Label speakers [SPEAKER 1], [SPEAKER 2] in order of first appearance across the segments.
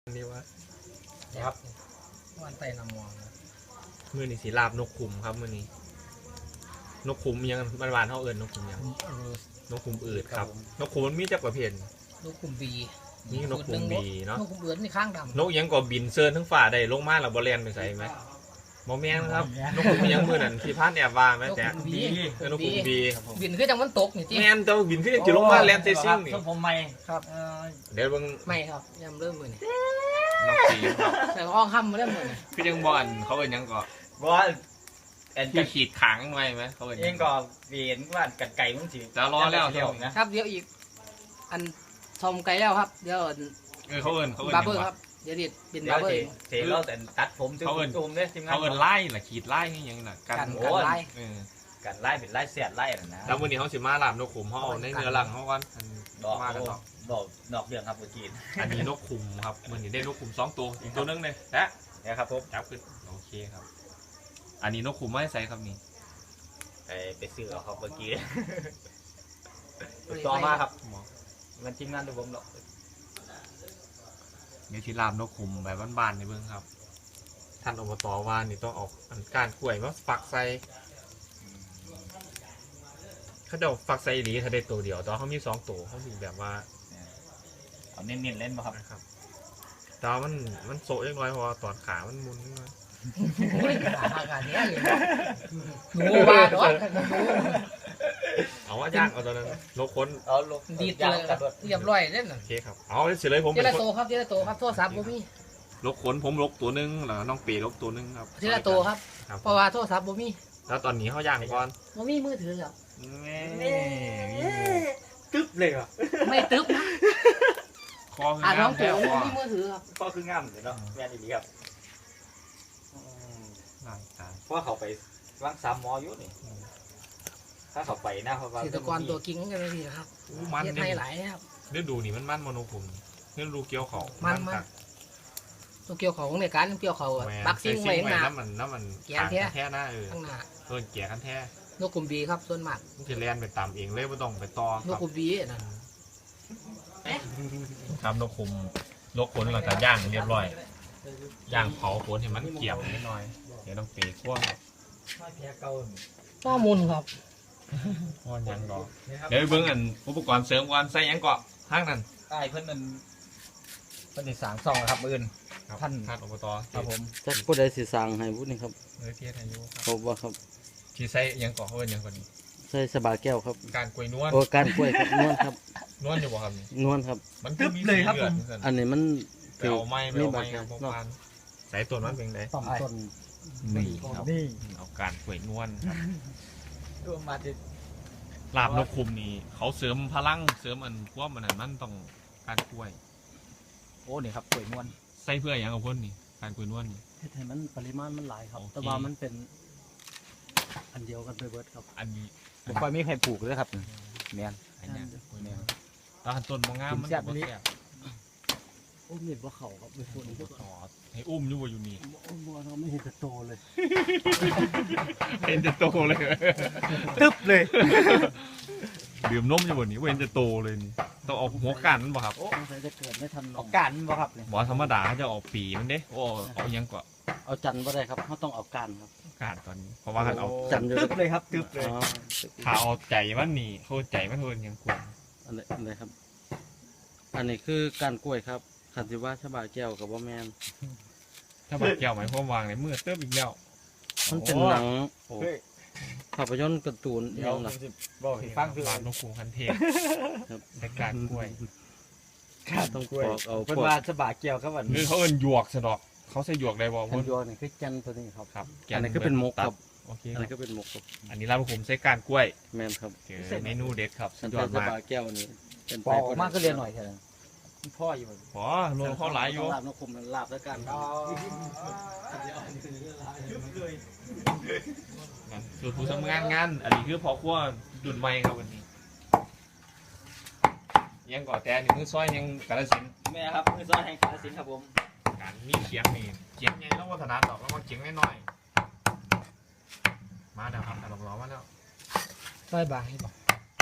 [SPEAKER 1] นี่ว่า
[SPEAKER 2] ครับวันไตนำมอง
[SPEAKER 1] มือนี่สีลาบนกขุมครับมือนี้นกขุมยังมันหวานเท่าเอิญนกขุมยังนกขุมอืดครับนกขุมมันมีจักประเภท
[SPEAKER 2] นกขุมบี
[SPEAKER 1] นี่นกขุมบีเนาะ
[SPEAKER 2] นกขุมอืดนี่ข้างดำ
[SPEAKER 1] นกยังก็บินเซิร์นทั้งฝ่าได้ลงมาแล้วบอลเลนไปใส่ไหมโมแมนครับนกขุมยังมือนั่นที่พานแอบว่าไหมแต่นกขุมบี
[SPEAKER 2] บินขึ้นจากมันตกนี่ที่
[SPEAKER 1] แมนแต่บินขึ้นจะลงมาแลนเซซิ่งนี่
[SPEAKER 3] ผมไม่
[SPEAKER 2] ครับ
[SPEAKER 1] เดี๋ยวเบิ่ง
[SPEAKER 2] ไม่ครับยังเริ่มมือนี่
[SPEAKER 1] นกสี
[SPEAKER 2] แต่ห้องค่ำมาเริ่มมือนี่
[SPEAKER 1] คือยังบอลเขาเป็นยังก็
[SPEAKER 3] ว่า
[SPEAKER 1] ที่ขีดขังไว้ไหมเขาเป็น
[SPEAKER 3] เองก็เวียนว่ากันไก่มึงสิ
[SPEAKER 1] จะรอแล้วเที่ยว
[SPEAKER 2] นะครับเดี๋ยวอีกอันชมไก่แล้วครับเดี๋ยว
[SPEAKER 1] เขาเอิญ
[SPEAKER 2] บาร์เบอร์ครับเดี๋ยวเป็นบาร์เบอร์
[SPEAKER 3] เสร็จแล้วแต่ตัดผมเขาเอิญตูมเนี่ยทีมงาน
[SPEAKER 1] เขาเอิญไล่หรือขีดไล่นี่ยังน่ะ
[SPEAKER 2] กันไล่
[SPEAKER 3] กันไล่เป็นไล่เสียดไล่นะ
[SPEAKER 1] แล้ววันนี้เขาสิมาลามนกขุมเขาเอาในเนื้อหลังเขาก่อน
[SPEAKER 3] มากันดอกเดืองครับเมื่อกี้
[SPEAKER 1] อันนี้นกขุมครับมันนี่ได้นกขุม2 ตัวอีกตัวนึงเลย
[SPEAKER 3] เนี่ยครับผม
[SPEAKER 1] จับขึ้นโอเคครับอันนี้นกขุมไม่ใส่ครับนี่
[SPEAKER 3] ไปซื้อเอาครับเมื่อกี้ต่อมาครับมันทีมงานดูผมหรอก
[SPEAKER 1] เดี๋ยวที่ลามนกขุมแบบบ้านๆในเบื้องครับท่านอบตว่านี่ต้องออกการกล้วยมาฝักใส่เขาจะฝักใส่ดีถ้าได้ตัวเดียวตอนเขามี2 ตัวเขามีแบบว่า
[SPEAKER 3] เอาเน้นๆเล่นป่ะ
[SPEAKER 1] ครับแต่มันโซ่เล็กน้อยเพราะว่าตอนขามันมุนนิดหน่อย
[SPEAKER 2] อากาศเนี้ยเลยหนูบ้าดอ
[SPEAKER 1] เอาว่าย่างเอาตอนนั้นนกค้น
[SPEAKER 3] เอาลง
[SPEAKER 2] ดีเลยเรียบร้อยเล่น
[SPEAKER 1] โอเคครับเอาเฉยเลยผม
[SPEAKER 2] เจริญโตครับเจริญโตครับโทรศัพท์ผมมี
[SPEAKER 1] ลกขนผมลกตัวนึงแล้วน้องปีลกตัวนึงครับ
[SPEAKER 2] เจริญโตครับเพราะว่าโทรศัพท์ผมมี
[SPEAKER 1] แล้วตอนนี้เขาย่างก่อน
[SPEAKER 2] ผมมีมือถือครับ
[SPEAKER 3] ตึ๊บเลยอ่ะ
[SPEAKER 2] ไม่ตึ๊บนะ
[SPEAKER 1] คอคืองาม
[SPEAKER 2] แล้วมีมือถือครับ
[SPEAKER 3] คอคืองามเลยเนาะแม่ดีครับเพราะเขาไปวาง3 มออยู่นี่ถ้าเขาไปนะเพราะว่า
[SPEAKER 2] ศิลปกรตัวกิ้งกันเลยทีครับ
[SPEAKER 1] มัน
[SPEAKER 2] ให้หลายครับ
[SPEAKER 1] เรื่องดูนี่มันโมโนผมเรื่องดูเกี่ยวเขา
[SPEAKER 2] มันตัวเกี่ยวเขาในการเกี่ยวเขาบักซิ่งไว้ข้างหน้า
[SPEAKER 1] น้ำมัน
[SPEAKER 2] แก่แท้
[SPEAKER 1] หน้า
[SPEAKER 2] ข้างหน้า
[SPEAKER 1] แก่กันแท้
[SPEAKER 2] นกกลุ่มบีครับส่วนมาก
[SPEAKER 1] มันจะแล่นไปตามเองเลยไม่ต้องไปต่อน
[SPEAKER 2] กกลุ่มบี
[SPEAKER 1] นะครับนกคุมนกขนหลังจากย่างเรียบร้อยย่างเผาขนเห็นมันเกี่ยวนิดหน่อยเดี๋ยวต้องเปย์ขั้ว
[SPEAKER 2] ข้อมูลครับ
[SPEAKER 1] ข้อยังดอกเดี๋ยวเบิ้งอันอุปกรณ์เสริมก่อนใส่ยังเกาะห้างนั่น
[SPEAKER 3] ใช่เพื่อนมันติด3 ซองครับอื่น
[SPEAKER 1] ท่านอบต
[SPEAKER 3] ครับผม
[SPEAKER 4] จะพูดได้สิสั่งให้พูดนี่ครับ
[SPEAKER 1] เทียนอายุ
[SPEAKER 4] ครับว่าครับ
[SPEAKER 1] ที่ใส่ยังเกาะเขาเป็นยังคนนี้
[SPEAKER 4] ใส่สบาแก้วครับ
[SPEAKER 1] การกล้วยนวล
[SPEAKER 4] โอ้การกล้วยครับนวลครับ
[SPEAKER 1] นวลอยู่บ่ครับ
[SPEAKER 4] นวลครับ
[SPEAKER 1] มันตึ๊บเลยครับ
[SPEAKER 4] อันนี้มัน
[SPEAKER 1] เอาไม้ครับพวกมันใส่ตัวมันเป็นไง
[SPEAKER 4] ต้น
[SPEAKER 1] นี่ครับเอาการกล้วยนวลครับ
[SPEAKER 3] ตัวมาจะ
[SPEAKER 1] ลาบนกคุมนี่เขาเสริมพลังเสริมอันพวกมันต้องการกล้วย
[SPEAKER 3] โอ้นี่ครับกล้วยนวล
[SPEAKER 1] ใส่เพื่ออย่างกับคนนี่การกล้วยนวล
[SPEAKER 4] ให้มันปริมาณมันหลายครับแต่ว่ามันเป็นอันเดียวกันไปเบิดครับ
[SPEAKER 1] อันนี้
[SPEAKER 3] ผมไปไม่ใครปลูกเลยครับแมน
[SPEAKER 1] อันนี้ตอนต้นมะงามมันแซ่บ
[SPEAKER 4] อุ้มเห็นว่าเขาครับไม่ควร
[SPEAKER 1] จะต่อให้อุ้มอยู่อยู่นี่
[SPEAKER 4] อุ้มเราไม่เห็นจะโตเลย
[SPEAKER 1] เห็นจะโตเลย
[SPEAKER 3] ตึ๊บเลย
[SPEAKER 1] ดื่มนมอยู่บนนี้เว้นจะโตเลยนี่ต้องออกหัวกันมันบ่ครับ
[SPEAKER 4] โอ้จะเกิดไม่ทัน
[SPEAKER 3] ออกกันบ่ครับ
[SPEAKER 1] บ่ธรรมดาจะออกปีมันเด้โอ้เอายังกว่า
[SPEAKER 4] เอาจันบ่ได้ครับเขาต้องเอาการครับ
[SPEAKER 1] การตอนนี้เพราะว่าเอา
[SPEAKER 4] จัน
[SPEAKER 3] ตึ๊บเลยครับตึ๊บเลย
[SPEAKER 1] ถ้าเอาใจมันนี่เขาใจมันเทินยังกลัว
[SPEAKER 4] อะไรครับอันนี้คือการกล้วยครับขันธิว่าชบาแก้วกับว่าแมน
[SPEAKER 1] ชบาแก้วหมายความวางในมือเติบอีกแล้ว
[SPEAKER 4] มันเป็นหนังภาพยนตร์การ์ตูน
[SPEAKER 3] อย่างหนักบอกฟังคือ
[SPEAKER 1] บ้านนกคูคันเทพในการกล้วย
[SPEAKER 4] ต้องกล้วย
[SPEAKER 3] เอาเป็นว่าชบาแก้วครับวัน
[SPEAKER 1] นี้เขาเอิ้นหยวกสะดอกเขาใส่หยวกได้บ่
[SPEAKER 4] หยวกนี่คือจันตัวนี้ครับ
[SPEAKER 1] ครับ
[SPEAKER 4] อันนี้ก็เป็นมกครับ
[SPEAKER 1] โอเค
[SPEAKER 4] อันนี้ก็เป็นมกครับ
[SPEAKER 1] อันนี้ร้านผมใส่การกล้วย
[SPEAKER 4] แมนครับ
[SPEAKER 1] เมนูเด็ดครับ
[SPEAKER 4] สุดยอดมากชบาแก้วนี่
[SPEAKER 3] เป็นปอกมากก็เรียนหน่อยเถอะพ่ออยู่
[SPEAKER 1] พ่อโลข้อหลายอยู่
[SPEAKER 4] ลาบนกคุมลาบแล้วกัน
[SPEAKER 1] สูตรผู้ทำงานอันนี้คือพอขั้วดุนไม้ครับวันนี้ยังก่อแต่นี่มือซอยยังกระสิน
[SPEAKER 3] แม่ครับมือซอยแห่งกระสินครับผม
[SPEAKER 1] การมีเขียงนี่เขียงไงต้องวัฒนาดอกแล้วมาเขียงน้อยมาเดี๋ยวครับแต่ลองมาแล้ว
[SPEAKER 2] ซอยบางให้บอก
[SPEAKER 1] เอ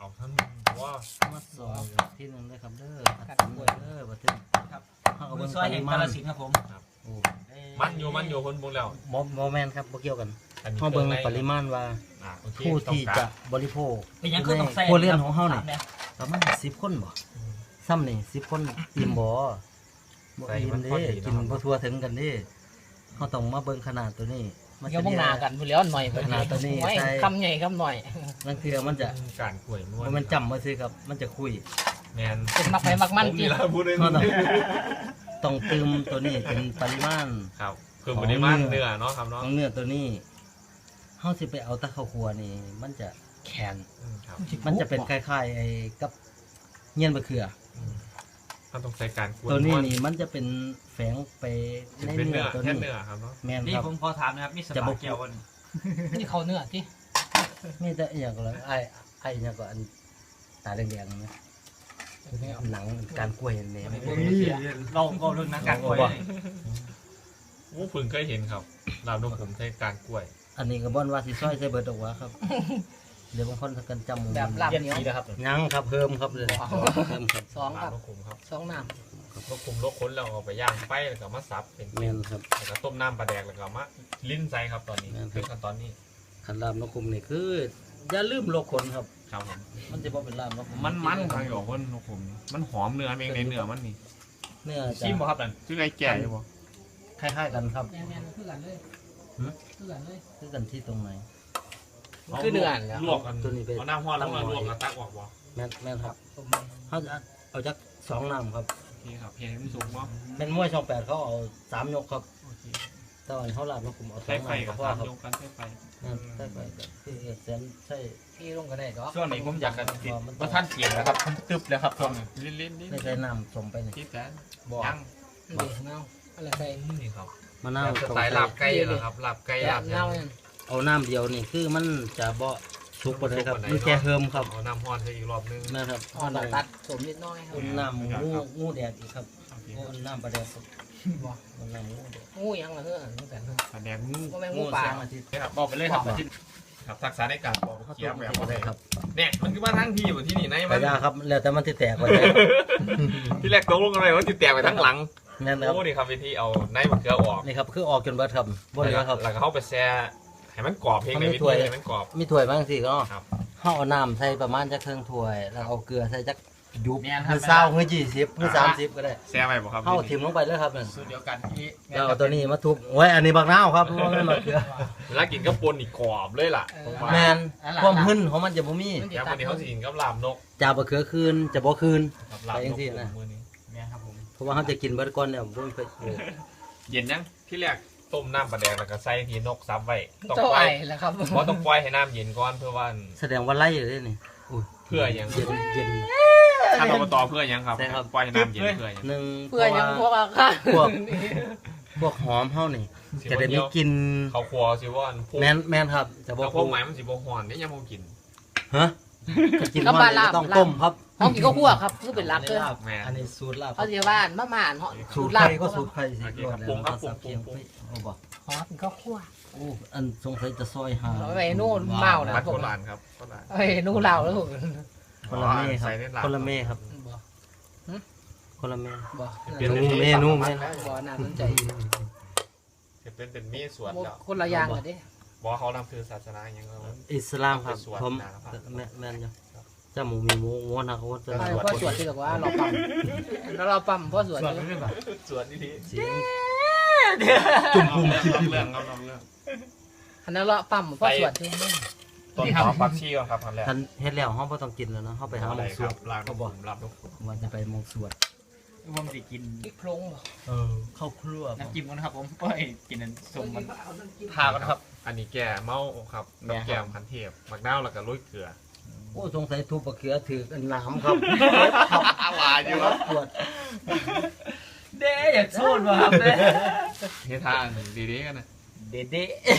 [SPEAKER 1] เอาท่านว่า
[SPEAKER 4] มาสอนที่หนึงเลยครับเด้อขัดสนเด้อบัดนี้
[SPEAKER 3] ครับ
[SPEAKER 4] เขาก็
[SPEAKER 3] มื
[SPEAKER 4] เบิ่
[SPEAKER 3] อง ซอย
[SPEAKER 4] ป
[SPEAKER 3] แห่
[SPEAKER 4] ริ
[SPEAKER 3] ง
[SPEAKER 4] มาก
[SPEAKER 3] าฬ
[SPEAKER 4] ณ
[SPEAKER 3] สินธุ์ครับผม
[SPEAKER 4] โอ้
[SPEAKER 1] มันอยู่คนบุงแล้ว
[SPEAKER 4] บ่แม่นครับบ่เกี่ยวกัน
[SPEAKER 1] อันนี้
[SPEAKER 4] เขาเบิ่ง
[SPEAKER 1] ครื่องใน
[SPEAKER 4] ปริมาณว่า
[SPEAKER 1] โอเค
[SPEAKER 4] ผู้ที่
[SPEAKER 1] ต้อง
[SPEAKER 4] จะ
[SPEAKER 1] การ
[SPEAKER 4] บริโภค
[SPEAKER 3] เป็นหยังคือต้องใส่
[SPEAKER 4] ครัวเรือนของเฮานี่
[SPEAKER 3] เนี่ย
[SPEAKER 4] ประมาณ10 คนบ่ซ้ำนี่10 คนอิ่มบ่บ่อิ่มเด้กินบ่ทั่วถึงกันเด้เฮาต้องมาเบิ่งขนาดตัวนี้มัน
[SPEAKER 2] เดี๋ยว
[SPEAKER 4] จะ
[SPEAKER 2] พวกนากันพูดแล้วหน่อย
[SPEAKER 4] ขนาดตัวนี้
[SPEAKER 2] ไว้
[SPEAKER 4] ใส่
[SPEAKER 2] คำใหญ่คำหน่อย
[SPEAKER 4] นั่นคือมันจะ
[SPEAKER 1] การกล้วยนวล
[SPEAKER 4] มันจำมาซื้อครับ มันจะคุย
[SPEAKER 1] แมน
[SPEAKER 2] เป็นมักไปมักมัน
[SPEAKER 1] ผม
[SPEAKER 2] จริ
[SPEAKER 1] นี่
[SPEAKER 2] ง
[SPEAKER 1] ละพูดเลย
[SPEAKER 4] เฮาต้องเติมตัวนี้เป็นปริมาณ
[SPEAKER 1] ครับคือปริมาณเนื้อเนาะครับ
[SPEAKER 4] ข
[SPEAKER 1] เนาะ
[SPEAKER 4] องเนื้อตัวนี้เฮาสิไปเอาแตะข้าวคั่วนี่ มันจะแข็ง
[SPEAKER 1] ครับ
[SPEAKER 4] มันจะเป็นคล้ายๆไอ้กับเงี้ยนมะเขือ
[SPEAKER 1] มันต้องใส่การกล้วย
[SPEAKER 4] ตัวนี้
[SPEAKER 1] วล
[SPEAKER 4] นี่มันจะเป็นแฝงไปใน
[SPEAKER 1] เป็น
[SPEAKER 4] เนื้
[SPEAKER 1] เนื้
[SPEAKER 4] อ
[SPEAKER 1] อ
[SPEAKER 4] ตัว
[SPEAKER 1] แค่
[SPEAKER 4] นี้
[SPEAKER 1] เนื้อครับเนาะ
[SPEAKER 4] แม่น
[SPEAKER 3] นี่
[SPEAKER 4] ครับ
[SPEAKER 3] ผมขอถามนะครับมีส
[SPEAKER 4] จะ
[SPEAKER 3] ปา
[SPEAKER 4] บอก
[SPEAKER 3] เกียวกัน
[SPEAKER 2] นี่เขาเนื้อที่
[SPEAKER 4] มีแต่อหย่างก็แล้วไอ้อหย่างก็อันตาแดงๆนะหนังการกล้วยเนี่ย
[SPEAKER 3] เราก็เรื่องนักการกล้วย
[SPEAKER 1] วู้พึ่งเคยเห็นครับลาบนกผมใช้การกล้วย
[SPEAKER 4] อันนี้ก็บ่นว่าสิซอยใส่เบิดออกว่าครับ เดี๋ยวบางคนกันจำ
[SPEAKER 2] แบบลาบ
[SPEAKER 3] เย็น
[SPEAKER 2] เหนียว
[SPEAKER 3] สีนะครับ
[SPEAKER 4] ยังครับเพิ่มครับเลยเพิ่มครับ
[SPEAKER 2] สอง
[SPEAKER 1] ลา
[SPEAKER 2] ครับ บ
[SPEAKER 1] นกผมครับ
[SPEAKER 2] สองน้
[SPEAKER 1] นกผมลกค้นแล้วเอาไปย่างไฟแล้วก็มาสับเป็น
[SPEAKER 4] แม่นครับ
[SPEAKER 1] แล้วก็ต้มน้ำปลาแดกแล้วก็มาลิ้นใส่ครับตอนนี้
[SPEAKER 4] แม่นครับ
[SPEAKER 1] เป็นขั้นตอนนี้
[SPEAKER 4] ขันลาบนกคุมนี่คืออย่าลืมโลกคนครับ
[SPEAKER 1] ครับผม
[SPEAKER 4] มันจะบ่เป็นลาบนกคุ
[SPEAKER 1] มันทางอยู่คนนกผมนี่มันหอมเนื้อเองในเนื้อมันนี่
[SPEAKER 4] เนื้อจะ
[SPEAKER 3] ชิมบ่ครับนั่น
[SPEAKER 1] ชื่อไอ้แก่ใช่ปะ
[SPEAKER 4] คล้ายๆกันครับ
[SPEAKER 2] ำแม่นๆคือกันเลย
[SPEAKER 4] หือ
[SPEAKER 2] คือกันเลย
[SPEAKER 4] คือกันที่ตรงไหน
[SPEAKER 2] คือเนื้อแล้ว
[SPEAKER 1] ลวกกัน
[SPEAKER 4] ตัวนี้เป็น
[SPEAKER 1] เอาน้ำห้อนลงมาลวกกับตักออกบ่
[SPEAKER 4] แม่นครับ
[SPEAKER 2] ผม
[SPEAKER 4] เขาจะเอาจาก2น้ำครับ
[SPEAKER 1] โอเคครับเพียงให้มันสุกเนาะ
[SPEAKER 4] เป็นมวยช่อง8เขาเอา3ยกครับ
[SPEAKER 1] โอเค
[SPEAKER 4] แต่ว่าเขาลาบนกคุมเอา
[SPEAKER 1] ใช้
[SPEAKER 4] 2
[SPEAKER 1] ไฟ
[SPEAKER 4] น้ำ
[SPEAKER 1] กับ
[SPEAKER 4] เพราะ
[SPEAKER 1] ตา
[SPEAKER 4] ว่าม ครับ
[SPEAKER 1] ยกกันใช้ไฟ
[SPEAKER 4] ใช่ไปก็คือแสนใช่
[SPEAKER 2] พี่ลงก็ได้ดอก
[SPEAKER 3] ช่วงนี้ผมอยากกันติด
[SPEAKER 4] มัน
[SPEAKER 3] ว่าท่านเกียงนะครับผมตึบแล้วครับช่วงนี้
[SPEAKER 1] ลิ้นๆนี่
[SPEAKER 4] ไม่ใช่น้ำสมไปนี่
[SPEAKER 1] คิดแสน
[SPEAKER 3] บอก
[SPEAKER 1] ยัง
[SPEAKER 2] ดีเงาอะไรใส่
[SPEAKER 1] นี่ครับ
[SPEAKER 4] มะนาว
[SPEAKER 1] แบบสไตล์ลาบไก่เหรอครับลาบไก่ลาบ
[SPEAKER 2] เงาเนี่ย
[SPEAKER 4] เอาน้ำเดียวนี่คือมันจะบ่สุกบ่ได้ครับ
[SPEAKER 1] บ่ได้
[SPEAKER 4] มันแค่เฮิมครับ
[SPEAKER 1] เอาน้ำห้อนใส่อีกรอบนึง
[SPEAKER 4] นะครับ
[SPEAKER 2] อ่อนเราตัดสมนิดน้อยครับ
[SPEAKER 4] อุ่นน้ำงูแดดอีกครับ
[SPEAKER 1] โอเค
[SPEAKER 4] อุ่นน้ำปลาแดดครับ
[SPEAKER 2] บ่
[SPEAKER 4] อุ่นน้ำงูแดด
[SPEAKER 2] งูยังเหรอเฮ้อตั้งแต่
[SPEAKER 1] ปลาแดงงู
[SPEAKER 2] ก็แม่งงูป่า
[SPEAKER 4] แสงอาทิตย์
[SPEAKER 1] ครับ
[SPEAKER 3] บอกไปเลยครับที่
[SPEAKER 1] ครับทักษะในการปอก
[SPEAKER 4] เขา
[SPEAKER 1] เคี้ยวแบบ
[SPEAKER 4] ต้มครับ
[SPEAKER 1] เนี่ยมันคือมาทั้งที่อยู่ที่นี่ไหน
[SPEAKER 4] ก
[SPEAKER 1] มั
[SPEAKER 4] ระ
[SPEAKER 1] น
[SPEAKER 4] ยาครับแล้วแต่มันที่แตกไปได้
[SPEAKER 1] ที่แรกตกลงกันเลยว่าติดแตกไปทั้งหลัง
[SPEAKER 4] แม่นครับ
[SPEAKER 1] โอ้นี่ครับวิธีเอาในมะเขือออก
[SPEAKER 4] นี่ครับคือออกจนเบิดครับบ่เหลือครับ
[SPEAKER 1] แล้วก็เข้าไปแช่ให้มันกรอบเพียงในวิธีให้มันกรอบ
[SPEAKER 4] มีถ้วยบางสิก็
[SPEAKER 1] ครับ
[SPEAKER 4] เฮาเอาน้ำใส่ประมาณจักครึ่งถ้วย แล้วเอาเกลือใส่จักยุบ
[SPEAKER 3] แม่นค
[SPEAKER 4] คื
[SPEAKER 3] รั
[SPEAKER 4] อบ 20คือ20คือ30ก็ได้
[SPEAKER 1] แช่ไปบ่ครับ
[SPEAKER 4] เฮาถิ่มลงไปเลยครับนั่น
[SPEAKER 3] สูตรเดียวกันที่
[SPEAKER 4] แล้วเอาตัวนี้มาทุบโอ้ยอันนี้บักนาวครับบ่แม่นบักเกลือ
[SPEAKER 1] เวลากินก็ปนอีกกรอบเลยล่ะผมว่า
[SPEAKER 4] แม่นความหึ่นของมันจะบ่มี
[SPEAKER 1] แค่วันนี้เขาสิกินกับลาบนก
[SPEAKER 4] จะบักเขือคืนจะบ่คืน
[SPEAKER 1] ครับลาบ
[SPEAKER 4] ไป
[SPEAKER 1] น
[SPEAKER 4] จั
[SPEAKER 1] ก
[SPEAKER 4] งสินะ
[SPEAKER 1] มื้อนี้
[SPEAKER 3] แม่ครับผม
[SPEAKER 4] เพราะว่าเขาจะกินเบิดก่อนเนี่ยบ่มีไฟ
[SPEAKER 1] เย็นยังที่แรกต้มน้ำปลาแดงแล้วก็ใส่ทีนกซับไว้ต้อง
[SPEAKER 2] เจ้า
[SPEAKER 1] ปล่อ
[SPEAKER 2] ไอ้
[SPEAKER 1] ย
[SPEAKER 2] แล้วครับ
[SPEAKER 1] เพราะต้องปล่อยให้น้ำเย็นก่อนเพื่อว่า
[SPEAKER 4] แสดงว่าไล่อยู่เลยนี่อุ้ย
[SPEAKER 1] เพื่อยัง
[SPEAKER 4] เย็นเย็น
[SPEAKER 1] ถ้าเราต่อเพื่อยังครับ
[SPEAKER 4] ใช่ครับ
[SPEAKER 1] ปล่อยให้น้ำเย็นเพื่อยัง
[SPEAKER 4] หนึ่ง
[SPEAKER 2] เพื่อยังพวกอาคา
[SPEAKER 4] พวกหอมเฮานี่
[SPEAKER 1] สิ
[SPEAKER 4] จะ
[SPEAKER 1] บ่
[SPEAKER 4] ได้
[SPEAKER 1] เดี
[SPEAKER 4] มี
[SPEAKER 1] ยว
[SPEAKER 4] กลิน
[SPEAKER 1] เขาครัวสิว่าอันพวก
[SPEAKER 4] แม่นครับจะบ่
[SPEAKER 1] แต่พวกหมายมันสิบ่ฮ้อนนี่ยังบ่กิน
[SPEAKER 4] ฮะจะกินว่าเนี่ยต้องต้มครับ
[SPEAKER 2] ห้องกินก็คั่วครับคือเป็นรักเลย
[SPEAKER 4] ลาบอันนี้สูตรลาบ
[SPEAKER 2] เขาจะบ้านมะม่านเหาะ
[SPEAKER 4] สูตร
[SPEAKER 2] ลา
[SPEAKER 4] ไข่
[SPEAKER 2] บ
[SPEAKER 4] ก็สูตรไข่สิ
[SPEAKER 1] โอเค
[SPEAKER 4] รอ
[SPEAKER 1] ครั
[SPEAKER 4] ด
[SPEAKER 1] บ
[SPEAKER 4] แล้ว
[SPEAKER 1] ปรุงครับ
[SPEAKER 4] เขาสับ
[SPEAKER 1] ปรุง
[SPEAKER 4] เคียง
[SPEAKER 1] ปรุง
[SPEAKER 4] โอ้บ่
[SPEAKER 2] หอกินก็คั่ว
[SPEAKER 4] โอ้อันสงสัยจะซอยหา
[SPEAKER 2] เอาไว้นู่นเมาแล้ว
[SPEAKER 1] บัตรโบราณครับโบราณ
[SPEAKER 2] เอ้ยนู่นเราแล้วถูก
[SPEAKER 4] คนละเม่ครับ
[SPEAKER 1] ใส่ในลาบ
[SPEAKER 4] คนละเม่ครับ
[SPEAKER 2] บ่
[SPEAKER 4] คนละเม่
[SPEAKER 2] บ่
[SPEAKER 1] เป็น
[SPEAKER 4] เมนูเมนู
[SPEAKER 2] บ่น่าสนใจ
[SPEAKER 1] เป็นมีสวดแล้ว
[SPEAKER 2] คนละอย่างกันดิ
[SPEAKER 1] บอกเขานำคือศาสนาอย่างเงี้ย
[SPEAKER 4] อิสลามครับ
[SPEAKER 1] เป็นสวด
[SPEAKER 4] ผม
[SPEAKER 1] นะครับ
[SPEAKER 4] แม่นอยู่เจ้าหมูมีหมูงวนนะเขาจะ
[SPEAKER 2] พ่อสวดที่บอกว่าเราปั๊มแล้วเราปั๊มพ่อสวด
[SPEAKER 1] สวดนี่ที
[SPEAKER 4] เสียง
[SPEAKER 1] จุ่มพุ่มเรื่องครับเรื่อง
[SPEAKER 2] อันนั้นเราปั๊มพ่อสวดที่นี่
[SPEAKER 1] ต้นหอมผักชีก่อนครับทำแรก
[SPEAKER 4] ทันเฮ็ดแล้วเฮาบ่ต้องกินแล้วเนาะเฮาไปหาหม
[SPEAKER 1] อะไร
[SPEAKER 4] องส
[SPEAKER 1] คว รั
[SPEAKER 4] ด
[SPEAKER 1] บลาบ
[SPEAKER 4] เขาบอก
[SPEAKER 1] ลาบนกขุม
[SPEAKER 4] ว่าจะไปหมองสวด
[SPEAKER 3] ผมสิกิน
[SPEAKER 2] พริกพลงบ่
[SPEAKER 4] เข้าครัว
[SPEAKER 3] น้ำจิ้มกันนะครับผมโอ้ยกินน้ำส้มมัน
[SPEAKER 1] ทากันครับ อันนี้แก่เมาครับกับแก้มพันเทพมักน้าวแล้วก็ลุยเกลือ
[SPEAKER 4] โอ้สงสัยทุบบักเขือถือกันน้ำครับ
[SPEAKER 1] หวานอยู่ครับ
[SPEAKER 4] ปวด
[SPEAKER 3] เด้อยากโซนว่ะครับเด้
[SPEAKER 1] เฮ็ดทางดีๆกันนะ
[SPEAKER 3] เด้เด้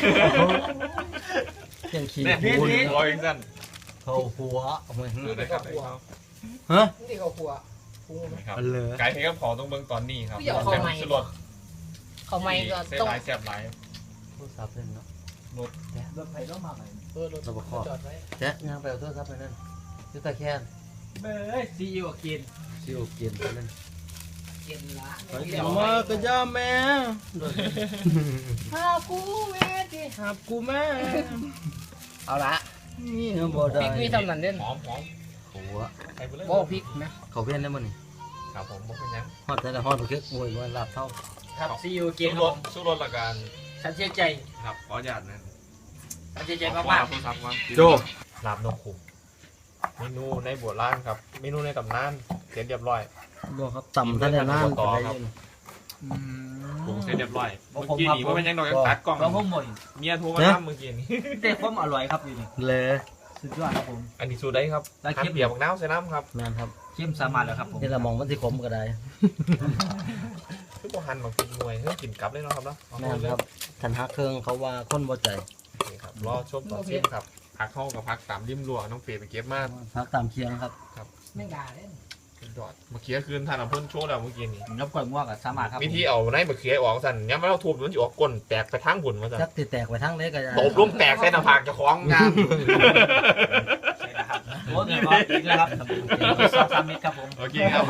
[SPEAKER 4] เพียงขี้
[SPEAKER 1] เนี่ย
[SPEAKER 4] หู
[SPEAKER 1] ร้อยสั้น
[SPEAKER 4] เข้าหัวเอาไว้
[SPEAKER 1] ได้ครับได้ครับ
[SPEAKER 4] ฮะ
[SPEAKER 2] นี่เขาคั่วปรุง
[SPEAKER 1] ครับ
[SPEAKER 4] อันเลย
[SPEAKER 1] ไก่ที่ก็พอต้องเบิ่งตอนนี้ครับ
[SPEAKER 2] พี่เอาเข้าใหม่
[SPEAKER 1] สลด
[SPEAKER 2] เขาไม่ก็
[SPEAKER 1] เส้น
[SPEAKER 2] ต้อง
[SPEAKER 1] ลายแซ่บหลาย
[SPEAKER 4] โทรศัพท์เล่นเนาะ
[SPEAKER 3] รถไฟต้องมาไหน
[SPEAKER 2] รถจอดไว้
[SPEAKER 4] แจ๊ะย่างไปเอาโทรศัพท์ไปนั่นยุตาแค่
[SPEAKER 3] เบ้ยซีอิ๊วกิน
[SPEAKER 4] ซิวกินนั่น
[SPEAKER 2] เย็นละ
[SPEAKER 4] อย่ามาก็ย่าแม่
[SPEAKER 2] หากูแม่ดิ
[SPEAKER 4] หับกูแม่
[SPEAKER 2] เอาละ
[SPEAKER 4] นี่บ่ได้
[SPEAKER 2] พริกมีทำนั่นเด่น
[SPEAKER 1] หอม
[SPEAKER 4] โอ้โห
[SPEAKER 1] ใส่ไปเลย
[SPEAKER 2] โอ้พริกนะ
[SPEAKER 4] เขาเพี้ยนได้มั้ยนี่
[SPEAKER 1] ครับผมบอกเป็นยัง
[SPEAKER 4] ฮอดแต่ละฮอดคือโอ้ยว่าลาบเท่า
[SPEAKER 3] ครับซีอิ๊วกิ
[SPEAKER 1] กิ
[SPEAKER 3] น
[SPEAKER 1] น
[SPEAKER 3] ค
[SPEAKER 1] ร
[SPEAKER 3] รับ
[SPEAKER 1] สสู้รสละกัน
[SPEAKER 3] ฉันเชื่อใจ
[SPEAKER 1] ครับขออนุญาตนะ
[SPEAKER 3] ฉันเชื่อใจมาก
[SPEAKER 1] โจลาบนกขุมเมนูในโบราณครับ เมนูในตำนานเสร็จเรียบร้อย
[SPEAKER 4] บ่ครับต่ำท่านได้นาน
[SPEAKER 1] ต่อ
[SPEAKER 4] ไป
[SPEAKER 1] ครับ
[SPEAKER 4] เลย
[SPEAKER 1] ปรุงเสร็จเรียบร้อยเมื่อกี้นี่ว่าเป็นยังดอกยังตัดกล้อง
[SPEAKER 3] ๆของผมหมด
[SPEAKER 1] เมียโทรมาทำเมื่อกี้นี่
[SPEAKER 3] แต่ความอร่อยครับอยู่นี่
[SPEAKER 4] เลย
[SPEAKER 3] สุดยอดครับผม
[SPEAKER 1] อันนี้สูตรได้ครับ
[SPEAKER 3] ได้คลิป
[SPEAKER 1] หั่นเบียร์บักน้าวใส่น้ำครับ
[SPEAKER 4] แม่นครับ
[SPEAKER 3] เข้มสามารถแล้วครับผม
[SPEAKER 4] นี่ละมองมันสิขมก็ได้
[SPEAKER 1] คือพวกหั่นบางทีหน่วยเพื่อกินกลับเลยเนาะครับเนาะ
[SPEAKER 4] แม่นครับทันฮักเครื่องเขาว่าคนบ่ใจ
[SPEAKER 1] นี่ครับรอชมตอนชิมครับพักเข้ากับพักตามริมรั้วน้องเฟยไปเก็บมา
[SPEAKER 4] ฮักตามเคียงครับ
[SPEAKER 2] ไม่ด่าเล่น
[SPEAKER 1] ยอดมะเขือคืนทานเอาเพิ่นโชว์แล้วเมื่อกี้นี่
[SPEAKER 3] น้ำกล้วยม่วงกับสามารถครับ
[SPEAKER 1] วิธีเอาในมะเขือออกสั่นย้ำไม่เอาทุบมันจะออกก้นแตกไปทั้งหุ่นมาสั่น
[SPEAKER 4] จักติแตกไปทั้งเล็กก็ได้
[SPEAKER 1] ตบลงแตกใส่หน้าผากเจะคล้าของงาม
[SPEAKER 3] ใช่นะครับโอ้เงินร้อยจริงแล้วครับ2-3 เม็ดครับผม
[SPEAKER 1] โอเคครับ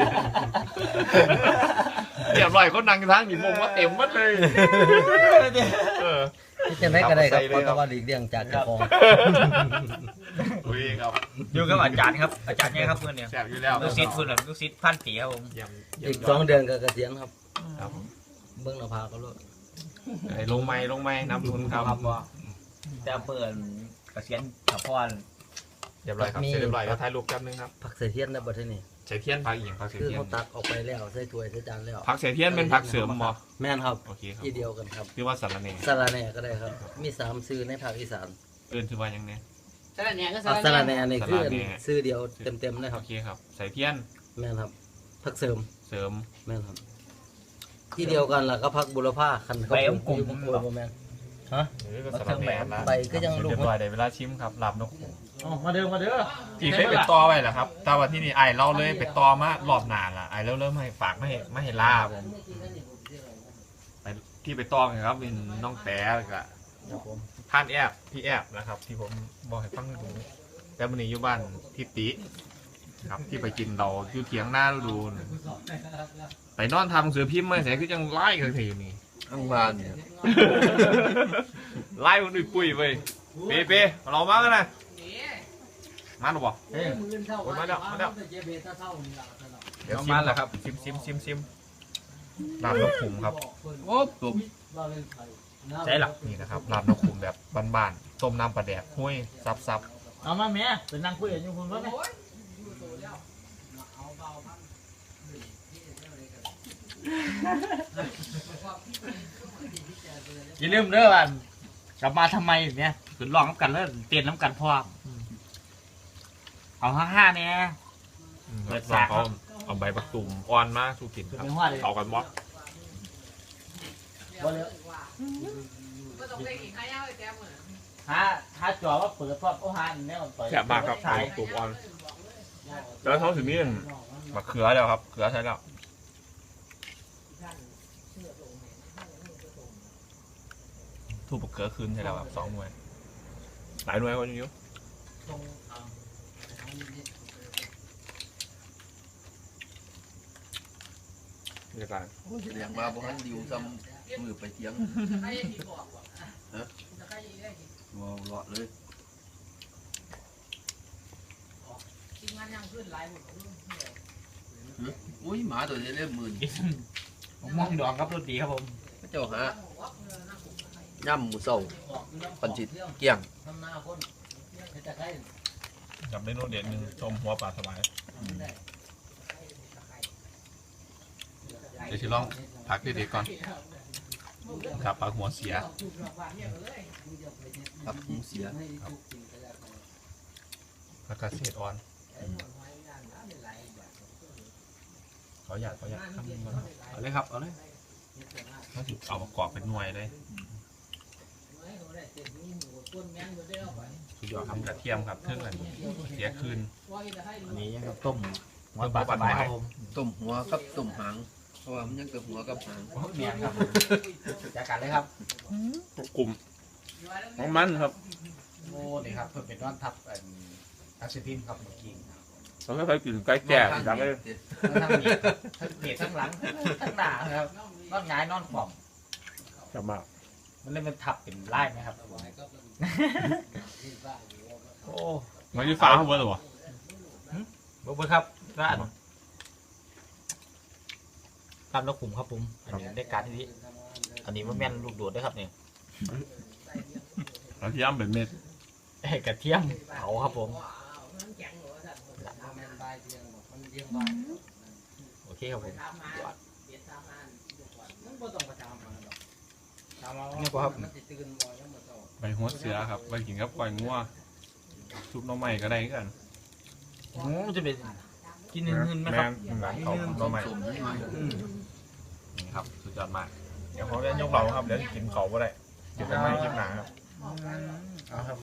[SPEAKER 1] เรียบร้อยคนนั่งอยู่ทั้งนี่มงว่าเต็มหมดเลยเออ
[SPEAKER 4] ที่จะได้ก็ได้ครับ
[SPEAKER 1] ใส่เลยครับ
[SPEAKER 4] เพราะว่าหลีกเลี่ยงจากเจ้าของ
[SPEAKER 1] อุ้ยครับ
[SPEAKER 3] อยู่กับอาจารย์ครับอาจารย์เนี่ยครับเพื่อนเนี่ย
[SPEAKER 1] แซ่บอยู่แล้ว
[SPEAKER 3] ลูกศิษย์เพื่อนลูกศิษย์พันปีครับผม
[SPEAKER 1] เยี่ยม
[SPEAKER 4] อีก2 เดือนก็เกษียณครับ
[SPEAKER 1] ครับ
[SPEAKER 4] เบิ่งหน้าผากก็รู้
[SPEAKER 1] ไอ้ลงไม้น้ำทุนครับ
[SPEAKER 3] ว่าแต่เปิดเกษียณกับพ่อ
[SPEAKER 1] เรียบร้อยครับเสร็จเรียบร้อยแล้วถ่ายรูปแป๊บนึงครับ
[SPEAKER 4] ผักเสเทียนได้บ่เท่านี้
[SPEAKER 1] ใส่เทียนผักอีกผักเสีย
[SPEAKER 4] คือ
[SPEAKER 1] เทียน
[SPEAKER 4] เขาตักออกไปแล้วใส่ถ้วยใส่จานแล้ว
[SPEAKER 1] ผักเสียเทียนเป็นผักเสริมบ่
[SPEAKER 4] แม่นครับ
[SPEAKER 1] โอเคครับ
[SPEAKER 4] ที่เดียวกันครับ
[SPEAKER 1] คือว่าสารเน
[SPEAKER 4] สะระแหน่ก็ได้ครับ มี3ชื่อในภาคอีสาน
[SPEAKER 1] เอิ้นคือว่ายังไง
[SPEAKER 2] สลัดเนี่ยก็
[SPEAKER 4] สะระแหน่นี่คือ
[SPEAKER 1] สะระแหน่
[SPEAKER 4] ชื่อเดียวเต็มๆเลยค
[SPEAKER 1] โอ
[SPEAKER 4] รับ
[SPEAKER 1] เคครับใส่เทียน
[SPEAKER 4] แม่นครับผักเสริม
[SPEAKER 1] เสริม
[SPEAKER 4] แม่นครับ ที่เดียวกันล่ะก็ผักบุรพาคันเขา
[SPEAKER 3] ใบ
[SPEAKER 4] ปลู
[SPEAKER 3] มะ
[SPEAKER 4] ก
[SPEAKER 3] กรูด
[SPEAKER 4] อยู่บางคนบ่แม่นฮะ
[SPEAKER 1] นี่ก็สารเนนะ
[SPEAKER 4] ใบก็ยังลูก
[SPEAKER 1] เรียบร้อยได้เวลาชิมครับลาบนกหู
[SPEAKER 3] มาเด้อ
[SPEAKER 1] ที่เคยไปต่อไว้แหละครับแต่ว่าที่นี่ไอ้เราเลยไปต่อมารอบหนาละไอ้เราเริ่มให้ฝากไม่ให้ลาบไปที่ไปต่อกันครับเป็นน้องแต้แล้วก็ท่านแอบพี่แอบนะครับ ที่ผมบอกให้ฟังดูแต่วันนี้อยู่บ้านทิติครับที่ไปกินเราอยู่เถียงหน้าดูนะไปนอนทำหนังสือพิมพ์ไม่ใส่คือยังไล่กันทีอยู่นี่
[SPEAKER 5] ข้างบ้านเนี่ย
[SPEAKER 1] ไล่คนอื่นปุ้ยเว้ยเป๊เรามากันนะมาหรือเปล่า มาแล้วเดี๋ยวมาแล้วครับซิมลาบนกขุมครับ
[SPEAKER 3] โอ้ตุ่ม ใช่หรอ
[SPEAKER 1] นี่นะครับลาบนกขุมแบบบ้านๆต้มน้ำปลาแดกห้วยซับ
[SPEAKER 3] เอามาแม่เป็นนางคุยกันอยู่คุณว่าไหมอย่าลืมเด้อว่ากลับมาทำไมเนี่ยคือลองน้ำกันแล้วเตียนน้ำกันพร้อมเอา5เนี่ย
[SPEAKER 1] ๆ
[SPEAKER 3] เปิด
[SPEAKER 1] ลอง
[SPEAKER 3] สาก
[SPEAKER 1] เขาเอาใบบักตุ่มอ่อนมาสู้กินครับ
[SPEAKER 3] เป็นว่าเลย
[SPEAKER 1] เอากันบ่
[SPEAKER 3] ถ้าจอว่าเปิดพร้อมโอ้ฮาแน่นอนต่อย
[SPEAKER 1] แซ่บมากครับใบบักตุ่มอ่อนแล้วเขาถึงนี่มะเขือแล้วครับเขือใช่แล้วทูบมะเขือคืนใช่แล้วครับ2 หน่วยหลายหน่วยกว่านี้อยู่เรียกอะไร
[SPEAKER 5] โอ้ยแสดงว่าบ่ทันดิวซ้ำมือไปเถียงว้าวเลาะเลยอุ้ยหมาตัวนี้เล่มมื่น
[SPEAKER 3] ผมมองดอกครับรถดีครับผม
[SPEAKER 5] พระเจ้าหาย่ำหมูเศร้าปันจิตเกี่ยง
[SPEAKER 1] กับเมนูเด็ดหนึ่งชมหัวปลาสบายเดี๋ยวชิลองพักเด็กๆก่อนครับปลาหัวเสีย
[SPEAKER 5] ครับหมูเสีย
[SPEAKER 1] แล้วก็เศษอ่อนขออยากครับเอาเลยครับเอาเลยเขาถึงเอามากรอกเป็นหน่วยเลยสุดยอดครับกระเทียมครับเครื่องอันนี้เสียคืน
[SPEAKER 3] อันนี้ยังกับต้มหัวปลาสบายครับผม
[SPEAKER 5] ต้มหัวกับต้มหางเพราะว่ามันยังกับหัวกับหาง
[SPEAKER 3] เมียครับจัดการเลยครับ
[SPEAKER 1] กลุ่มของมันครับ
[SPEAKER 3] โอ้นี่ครับเพิ่มเป็นวันทับอาซิพิมครับเมื่อกี้
[SPEAKER 1] เราไม่เคยกินไก่แก่ดังเลย
[SPEAKER 3] ทั้งเหยียดทั้งหลังทั้งหน้าครับนอนหงายนอนขวบ
[SPEAKER 1] จะมาก
[SPEAKER 3] มันเลยมันทับเป็นไล่ไหมครับโอ้
[SPEAKER 1] มันที่ฟ้าเขาเบอร์หรอวะ
[SPEAKER 3] บุ๊คครับร้านตามนกขุมครับผมอันนี้ได้การที่นี้อันนี้มันแม่นลูกโดดด้วยครับเนี่ย
[SPEAKER 1] เราที่ย่ำเป็นเม็ด
[SPEAKER 3] กระเทียมเผาครับผมโอเคครับผมนี่ก็ครับ
[SPEAKER 1] ใบหัวเสือครับใบกินกับก้อยงัวซุปหน้ำใหม่ก็ได้กัน
[SPEAKER 3] จะเป็นกินนึ่งๆนะครับ
[SPEAKER 1] หลังเขาหน้ำใหม่นี่ครับสุดยอดมากเดี๋ยวเขาจะยกเราครับเดี๋ยวกินเขาก็ได้เดี๋ยวไปไม่กินหนาครับ